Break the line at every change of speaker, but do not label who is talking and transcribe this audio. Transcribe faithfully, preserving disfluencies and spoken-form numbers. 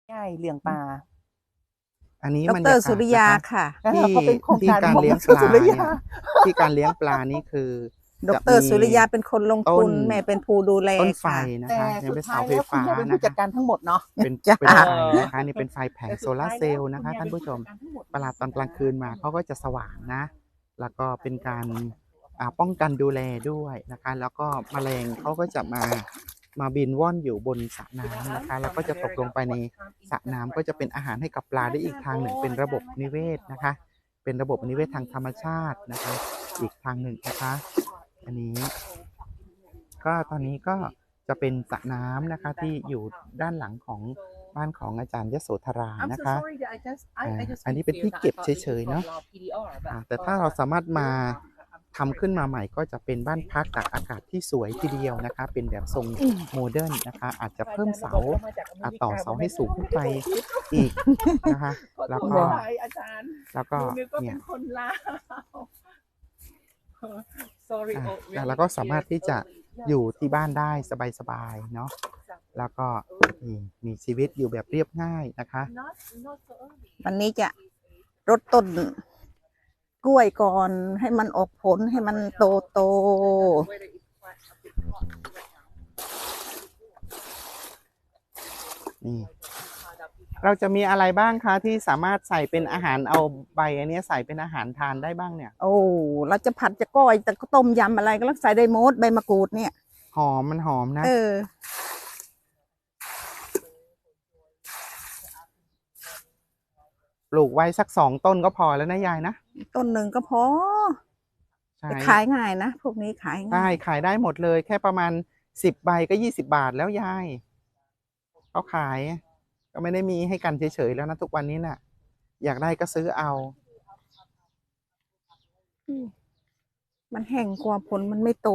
ใช่เลี้ยงปลา
อันนี้
ด
บรร
ร
ยากาศ
สุริยา
นะคะ
ค่ะ
ที่
เขาเป็นโครง
ที่
การ
การ
ของ
เลี้ยง
ดร
ปลา
สุริ
เนี่ย
ยา
ที่การเลี้ยงปลานี่คือ
ด
จะ
ร
มี
สุริยาเป็นคนลง
ต้
ทุ
น
นแม่เป็นผู้ดูแล
ต้นไฟ
ค่ะ
นะ
แต่
คะยัง
สุ
เป็
ด
น
ท้า
เสาย ไฟ
แล้วคุณ
ฟ้า
แม่เป็น
นะ
ผู้จัด
คะ
การทั้งหมดเนาะ
เป็น
จ้ะ
เป็นไฟนะคะนี่เป็นไฟแผง
แต่
โซ
สุด
ลา
ท้าย
ร์เซ
แล้
ล
ว
ล์นะ
คุณ
คะ
แม่
ท่าน
เป็น
ผู้
ผู้
ช
จั
ม
ดการทั้งหมด
เวลาตอนกลางคืนมาเขาก็จะสว่างนะ แล้วก็เป็นการ อ่า ป้องกันดูแลด้วยนะคะ แล้วก็แมลงเขาก็จะมา มาบินว่อนอยู่บนสระน้ำนะคะ แล้วก็จะตกลงไปในสระน้ำก็จะเป็นอาหารให้กับปลาได้อีกทางหนึ่ง เป็นระบบนิเวศนะคะ เป็นระบบนิเวศทางธรรมชาตินะคะ อีกทางหนึ่งนะคะ อันนี้ ก็ตอนนี้ก็จะเป็นสระน้ำนะคะที่อยู่ด้านหลังของบ้านของอาจารย์ยโสธรา
I'm
นะ
so
คะ
sorry that I just I
อ่า
I just
อันนี้เป็นที่
confused.
เก็
I
บ
thought
เ
that
ฉ
you
ย ๆ เนาะ
from Law พี ดี อาร์ but
อ่า แต่ถ้าเราสามารถมา ทำขึ้นมาใหม่ก็จะเป็นบ้านพักตากอากาศที่สวยทีเดียวนะคะ เป็นแบบทรงโมเดิร์นนะคะ อาจจะเพิ่มเสา อ่า ต่อเสาให้สูงขึ้นไปอีกนะคะ แล้วก็
อาจารย์
แล้วก็
หนูนึกว่า
เนี่
เป็
ย
นคนลาว sorry
อ่า
oh
แล้ว
really
เราก็สามารถ
here
ที่จะ
early
อยู่ที่บ้านได้สบาย ๆ เนาะ แล้วก็ นี่ มีชีวิตอยู่แบบเรียบง่ายนะคะ
not not so early
วันนี้จะรดต้นกล้วยก่อนให้มันออกผลให้มันโตโต
whether it's quite a bit hot right now
นี่ เราจะมีอะไรบ้างคะที่สามารถใส่เป็นอาหาร เอาใบอันเนี้ยใส่เป็นอาหารทานได้บ้างเนี่ย?
โอ้ เราจะผัดจะก้อยจะต้มยำอะไรก็ใส่ได้หมดใบมะกรูดเนี่ย
หอม มันหอมนะ
เออ
ปลูกไว้สัก สอง ต้นก็พอแล้วนะยายนะ
ต้นหนึ่งก็พอ
ใช่
แต่ขายง่ายนะ พวกนี้ขาย
ใช่
ง่าย
ขายได้หมดเลย แค่ประมาณ สิบ ใบก็ ยี่สิบ บาทแล้วยาย เขาขาย ก็ไม่ได้มีให้กันเฉย ๆ แล้วนะทุกวันนี้น่ะ อยากได้ก็ซื้อเอา
มันแห้งกว่าผลมันไม่โต